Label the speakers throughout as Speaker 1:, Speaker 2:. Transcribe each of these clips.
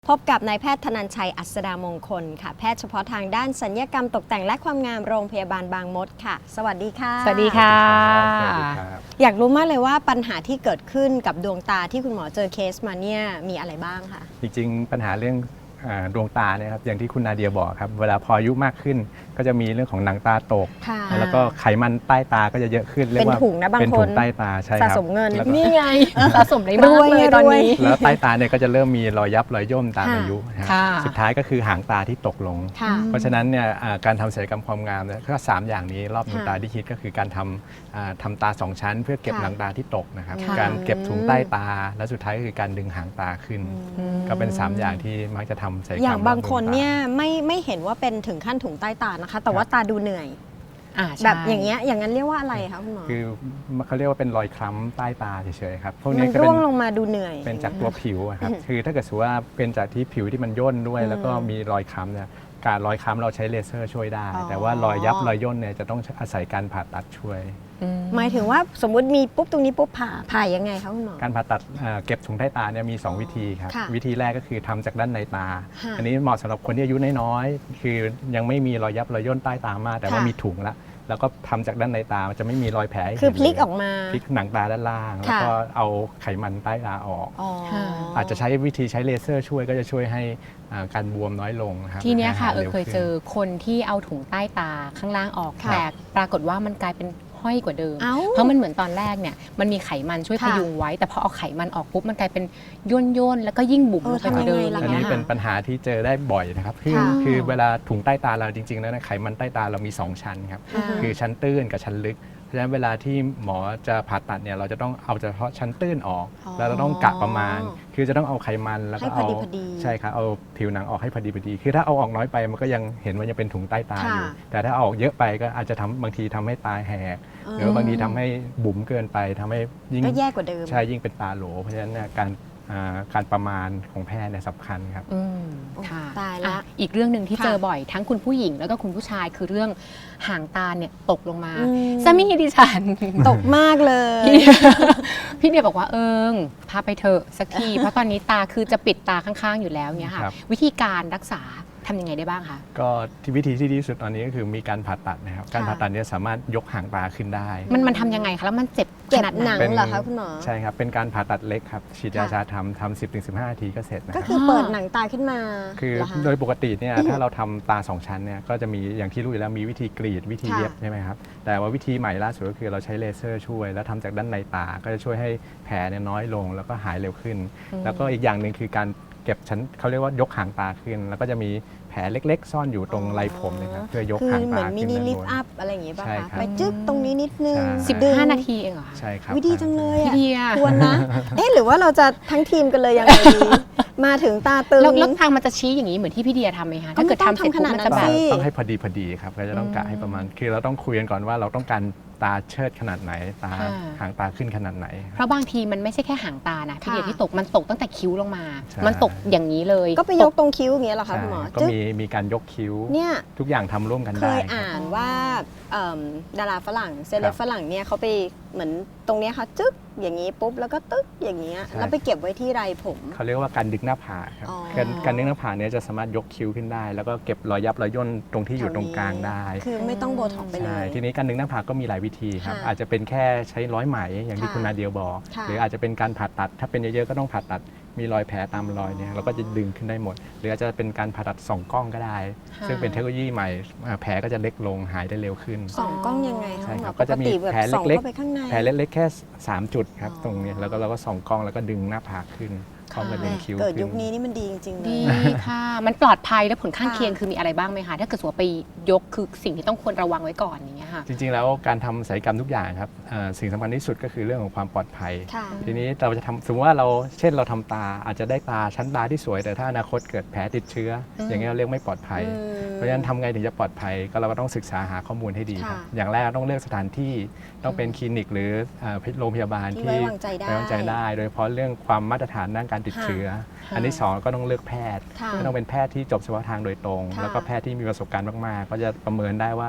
Speaker 1: พบกับนายแพทย์ธนัญชัยอัศดามงคลค่ะแพทย์เฉพาะทางด้านศัลยกรรมตกแต่งและความงามโรงพยาบาลบางมดค่ะสวัสดีค่ะ
Speaker 2: สวัสดีค่ะ
Speaker 1: อยากรู้มากเลยว่าปัญหาที่เกิดขึ้นกับดวงตาที่คุณหมอเจอเคสมาเนี่ยมีอะไรบ้างคะ
Speaker 3: จริงๆปัญหาเรื่องดวงตาเนี่ยครับอย่างที่คุณนาเดียบอกครับเวลาพออายุมากขึ้นก็จะมีเรื่องของหนังตาตกแล้วก็ไขมันใต้ตาก็จะเยอะขึ้นเรียกว่า
Speaker 1: เป็นถุงนะบางคน
Speaker 3: เป็นถุงใต้ตาใช่ครับ
Speaker 1: สะสมเงิน
Speaker 2: นี่ไงสะสมได้มากเลยตอนนี้
Speaker 3: แล้วใต้ตาเนี่ยก็จะเริ่มมีรอยยับรอยย่นตามอายุนะ
Speaker 2: ค่ะ
Speaker 3: สุดท้ายก็คือหางตาที่ตกลง
Speaker 1: ค่ะ
Speaker 3: เพราะฉะนั้นเนี่ยการทำศัลยกรรมความงามเนี่ยก็3อย่างนี้รอบดวงตาที่คิดก็คือการทำตา2ชั้น เพื่อเก็บหนังตาที่ตกนะครับ
Speaker 2: ค่ะ
Speaker 3: การเก็บถุงใต้ตาและสุดท้ายก็คือการดึงหางตาขึ้น ก็เป็น3อย่างที่มักจะทำศัลยกรรม
Speaker 1: อย่างบางคน
Speaker 3: รอบดวงตา
Speaker 1: เนี่ยไม่เห็นว่าเป็นถึงขั้นถุงใต้ตานะคะ แต่ว่าตาดูเหนื่อย
Speaker 2: ใช่
Speaker 1: แบบอย่างเงี้ยอย่างนั้นเรียกว่าอะไรคะคุณหมอ
Speaker 3: คือเขาเรียกว่าเป็นรอยคล้ำใต้ตาเฉยๆครับพวก
Speaker 1: มั
Speaker 3: นี้
Speaker 1: น
Speaker 3: ก็
Speaker 1: ร่
Speaker 3: เป็
Speaker 1: วน งลงมาดูเหนื่อย
Speaker 3: เป็นจากตัวผิวอะครับคือถ้าเกิดสมมุติว่าเป็นจากที่ผิวที่มันย่นด้วย แล้วก็มีรอยคล้ำเนี่ยการรอยคล้ำเราใช้เลเซอร์ช่วยได้
Speaker 1: อ๋อ
Speaker 3: แต่ว่ารอยยับรอยย่นเนี่ยจะต้องอาศัยการผ่าตัดช่วย
Speaker 1: หมายถึงว่าสมมุติมีปุ๊บตรงนี้ปุ๊บผ่ายังไงคะคุณหมอ
Speaker 3: การผ่าตัดเก็บถุงใต้ตาเนี่ยมี 2 วิธีครับ
Speaker 1: ค่ะ
Speaker 3: วิธีแรกก็คือทำจากด้านในตา
Speaker 1: ค่ะ
Speaker 3: อันนี้เหมาะสำหรับคนที่อายุน้อยๆคือยังไม่มีรอยยับรอยย่นใต้ตามากแต่ว่า
Speaker 1: ค่ะ
Speaker 3: มีถุงแล้วก็ทำจากด้านในตามันจะไม่มีรอยแผลให้
Speaker 1: คือ
Speaker 3: เห็น
Speaker 1: พลิก
Speaker 3: เย
Speaker 1: ออกมา
Speaker 3: พลิกหนังตาด้านล่าง แล้ว
Speaker 1: ค่ะ
Speaker 3: ก็เอาไขมันใต้ตาออก
Speaker 1: อ๋อ
Speaker 3: อาจจะใช้วิธีใช้เลเซอร์ช่วยก็จะช่วยให้การบวมน้อยลงนะครับ
Speaker 2: ทีเนี้ยค่ะ
Speaker 3: หายร็ว
Speaker 2: เคยเจอคนที่เอาถุงใต้ตาข้างล่างออก
Speaker 1: ค่ะ
Speaker 2: แต่ปรากฏว่ามันกลายเป็นห้อยกว่าเดิม
Speaker 1: เอ้า
Speaker 2: เพราะมันเหมือนตอนแรกเนี่ยมันมีไขมันช่วยพ
Speaker 1: ค่ะ
Speaker 2: ยุงไว้ แต่พอเอาไขมันออกปุ๊บมันกลายเป็นย่นแล้วก็ยิ่งบุ๋มลงไปกว่าเดิม
Speaker 1: ทำยังไงล่ะ
Speaker 3: อัน
Speaker 2: ย่าง
Speaker 3: นี้
Speaker 2: งี้ย
Speaker 3: เป็นปัญหาที่เจอได้บ่อยนะครับคือ
Speaker 1: ค่ะ
Speaker 3: คือเวลาถุงใต้ตาเราจริงๆแล้วนะไขมันใต้ตาเรามี 2 ชั้นครับ
Speaker 1: อ่า
Speaker 3: คือชั้นตื้นกับชั้นลึก เพราะฉะนั้นเวลาที่หมอจะผ่าตัดเนี่ยเราจะต้องเอาเฉพาะชั้นตื้นออก
Speaker 1: อ๋อ
Speaker 3: แล้วเราต้องกะประมาณ คือจะต้องเอาไขมันแล้วก็
Speaker 1: ให้พอ
Speaker 3: เอา
Speaker 1: ดีพอดี
Speaker 3: ใช่ครับเอาผิวหนังออกให้พอดีคือถ้าเอาออกน้อยไปมันก็ยังเห็นว่ายังเป็นถุงใต้ตาอยู่
Speaker 1: ค่ะ
Speaker 3: แต่ถ้าเอาออกเยอะไปก็อาจจะบางทีทำให้ตาแหกหรือว่าบางทีทำให้บุ๋มเกินไปทำให้ยิ่ง
Speaker 1: ก็แย่กว่าเดิม
Speaker 3: ใช่ยิ่งเป็นตาโหล เพราะฉะนั้นเนี่ยการประมาณของแพทย์เนี่ยสำคัญครับ
Speaker 2: ค่ะ
Speaker 1: ตายละ
Speaker 2: อีกเรื่องหนึ่งที่
Speaker 1: ค่ะ
Speaker 2: เจอบ่อยทั้งคุณผู้หญิงแล้วก็คุณผู้ชายคือเรื่องหางตาเนี่ยตกลงมา
Speaker 1: อืม
Speaker 2: สามีดิฉัน
Speaker 1: ตกมากเลย
Speaker 2: พี่เดียบอกว่าพาไปเถอะสักที เพราะตอนนี้ตาคือจะปิดตาข้างๆอยู่แล้วเนี่ยค่ะ
Speaker 3: ครับ
Speaker 2: วิธีการรักษาทำยังไงได้บ้างคะ
Speaker 3: ก็ที่วิธีที่ดีที่สุดตอนนี้ก็คือมีการผ่าตัดนะครับ การ
Speaker 1: ค่ะ
Speaker 3: ผ่าตัดเนี่ยสามารถยกหางตาขึ้นได้
Speaker 2: มันทำยังไงคะแล้วมันเจ็บข
Speaker 1: เก็บ
Speaker 2: นาด
Speaker 1: ห
Speaker 2: ไหน
Speaker 1: นัง
Speaker 3: เป็น
Speaker 1: เหรอคะคุณหมอ
Speaker 3: ใช่ครับ เป็นการผ่าตัดเล็กครับฉีดยา
Speaker 1: ค่ะ
Speaker 3: ชาทำ10-15 นาทีก็เสร็จนะค
Speaker 1: ก็
Speaker 3: รับ
Speaker 1: คือเปิดหนังตาขึ้นมา
Speaker 3: คือ
Speaker 1: เหรคะ
Speaker 3: โดยปกติเนี่ยถ้าเราทำตา 2 ชั้นเนี่ยก็จะมีอย่างที่รู้อยู่แล้วมีวิธีกรีดวิธี
Speaker 1: ค่ะ
Speaker 3: เย็บใช่ไหมครับแต่ว่าวิธีใหม่ล่าสุดก็คือเราใช้เลเซอร์ช่วย แล้วทำจากด้านในตาก็จะช่วยให้แผลเนี่ยน้อยลงแล้วก็หายเร็วขึ้น แล้วก็อีกอย่างหนึ่งคือการเก็บชั้นเขาเรียกว่ายกหางตาขึ้น แล้วก็จะมีแผลเล็กๆ ซ่อนอยู่ตรงไรผมเนะครับเพื่อยก
Speaker 1: คือ
Speaker 3: หาง
Speaker 1: เหมื
Speaker 3: ตา
Speaker 1: อนมิ
Speaker 3: ขึ้น
Speaker 1: นิ
Speaker 3: ด้าน
Speaker 1: ลิ
Speaker 3: บ
Speaker 1: ฟต์
Speaker 3: น
Speaker 1: อัพอะไรอย่างงี้ป่ะ
Speaker 3: ใช่
Speaker 1: คะ
Speaker 3: ครับ
Speaker 1: ไปจึ๊กตรงนี้นิดนึง
Speaker 3: ใช่
Speaker 1: ดึง
Speaker 2: 15 นาทีเองเหรอคะ
Speaker 3: ใช่ครับ
Speaker 1: วิดีจังเลยอะ
Speaker 2: พี่เดีย
Speaker 1: ควรนะ เอ๊ะหรือว่าเราจะทั้งทีมกันเลยยังไงดี มาถึงตาตึง
Speaker 2: แล้วทางมันจะชี้อย่างนี้เหมือนที่พี่เดียทำไหมคะ
Speaker 1: ก็
Speaker 2: ถ้า
Speaker 1: ไม่
Speaker 2: เกิดทำเสร็จ
Speaker 1: ต้องทำข
Speaker 2: ปุ๊บ
Speaker 1: นาด
Speaker 2: มัน
Speaker 1: นั้น
Speaker 2: จะแบบ
Speaker 1: สิ
Speaker 3: ต้องให้พอดีครับก็จะต้องกะให้ประมาณคือเราต้องคุยกันก่อนว่าเราต้องการตาเชิดขนาดไหนตา
Speaker 2: ค่ะ
Speaker 3: หางตาขึ้นขนาดไหน
Speaker 2: เพราะบางทีมันไม่ใช่แค่หางตานะพี่เดีย
Speaker 1: ค่ะ
Speaker 2: ที่ตกมันตกตั้งแต่คิ้วลงมา
Speaker 3: ใช่
Speaker 2: มันตกอย่างนี้เลย
Speaker 1: ก็ไปยกตรงคิ้วอย่างเงี้ยเหรอคะ
Speaker 3: ใช่
Speaker 1: คุณหมอ
Speaker 3: ก็
Speaker 1: จึ๊ก
Speaker 3: มีการยกคิ้ว
Speaker 1: เนี่ย
Speaker 3: ทุกอย่างทำร่วมกัน
Speaker 1: เค
Speaker 3: ได้
Speaker 1: ย
Speaker 3: ครับ
Speaker 1: อ่านว่าดาราฝรั่งเซเล
Speaker 3: ครับ บ
Speaker 1: ฝรั่งเนี่ยเขาไปเหมือนตรงเนี้ยค่ะจึ๊กอย่างนี้ปุ๊บแล้วก็ตึ๊กอย่างเงี้ย
Speaker 3: ใช่
Speaker 1: แล้วไปเก็บไว้ที่ไรผม
Speaker 3: เขาเรียกว่าการดึงหน้าผากครับ
Speaker 1: อ๋อ
Speaker 3: การดึงหน้าผากเนี่ยจะสามารถยกคิ้วขึ้นได้ แล้วก็เก็บรอยยับรอยย่นตรงที่อยู่ตรงกลางได้
Speaker 1: คือไม่ต้องโบท็อกซ์ไปเล
Speaker 3: ใช่
Speaker 1: ย
Speaker 3: ทีนี้การดึงหน้าผากก็มีหลายวิธีครับ
Speaker 1: ค่ะ
Speaker 3: อาจจะเป็นแค่ใช้ร้อยไหมอย่างที่
Speaker 1: ค่ะ
Speaker 3: คุณนาเดียบอก
Speaker 1: ค่ะ
Speaker 3: หรืออาจจะเป็นการผ่าตัด ถ้าเป็นเยอะๆก็ต้องผ่าตัดมีรอยแผลตามรอยเนี่ยเราก็จะดึงขึ้นได้หมด หรืออาจจะเป็นการผ่าตัดส่องกล้องก็ได้
Speaker 2: ค่ะ
Speaker 3: ซึ่งเป็นเทคโนโลยีใหม่แผลก็จะเล็กลงหายได้เร็วขึ้น
Speaker 1: ส่องกล้องยังไงคะ
Speaker 3: ใช่ครับ
Speaker 1: ป
Speaker 3: ก็จะมี
Speaker 1: ติแบบ
Speaker 3: แผล
Speaker 1: ส่อง
Speaker 3: เล็กๆ
Speaker 1: เข้าไปข้างใน
Speaker 3: แผลเล็กๆแค่3 จุดครับ
Speaker 1: อ๋อ
Speaker 3: ตรงเนี้ยแล้วก็เราก็ส่องกล้องแล้วก็ดึงหน้าผากขึ้นพร้อมกับดึงคิ้ว
Speaker 1: เกิด
Speaker 3: ขึ้
Speaker 1: ยุคนี้นี่มันดีจริงๆเล
Speaker 2: ดี
Speaker 1: ย
Speaker 2: ค่ะ มันปลอดภัยและผลข้าง
Speaker 1: ค่ะ
Speaker 2: เคียงคือมีอะไรบ้างไหมคะ ถ้าเกิดสมมติว่าไปยกคือสิ่งที่ต้องควรระวังไว้ก่อนอย่างเงี้ยค่ะ
Speaker 3: จริงๆแล้วการทำศัลยกรรมทุกอย่างครับสิ่งสำคัญที่สุดก็คือเรื่องของความปลอดภัย
Speaker 1: ค่ะ
Speaker 3: ทีนี้เราจะทำสมมติว่าเช่นเราทำตาอาจจะได้ตาชั้นตาที่สวยแต่ถ้าอนาคตเกิดแผลติดเชื้ออ
Speaker 2: ม
Speaker 3: อย่างเงี้ยเราเรียกไม่ปลอดภัย
Speaker 1: อืม
Speaker 3: เพราะฉะนั้นทำไงถึงจะปลอดภัยก็เราก็ต้องศึกษาหาข้อมูลให้ดีครับ
Speaker 1: ค่ะ
Speaker 3: อย่างแรกต้องเลือกสถานที่ต้องเป็นคลินิกหรือโรงพยาบาล
Speaker 1: ที่
Speaker 3: ที่
Speaker 1: ไว้วางใจได้
Speaker 3: ไว้วางใจได้ โดยเฉพาะเรื่องความมาตรฐานด้านการติดเชื้อ อันที่สองก็ต้องเลือกแพทย์
Speaker 1: ค่ะ
Speaker 3: ก็ต้องเป็นแพทย์ที่จบเฉพาะทางโดยตรง
Speaker 1: ค่ะ
Speaker 3: แล้วก็แพทย์ที่มีประสบการณ์มากๆ ก็จะประเมินได้ว่าผ่า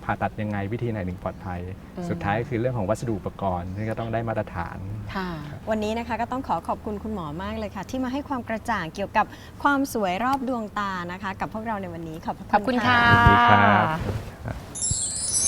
Speaker 3: ผ่าตัดยังไงวิธีไหนถึงปลอดภัย
Speaker 2: อืม
Speaker 3: สุดท้ายก็คือเรื่องของวัสดุอุปกรณ์ที่ก็ต้องได้มาตรฐาน
Speaker 2: ค่ะ
Speaker 1: วันนี้นะคะก็ต้องขอบคุณคุณหมอมากเลยค่ะ ที่มาให้ความกระจ่างเกี่ยวกับความสวยรอบดวงตานะคะ กับพวกเราในวันนี้ขอบพระ
Speaker 2: ขอบคุณค่ะ
Speaker 3: สวัสดีครับ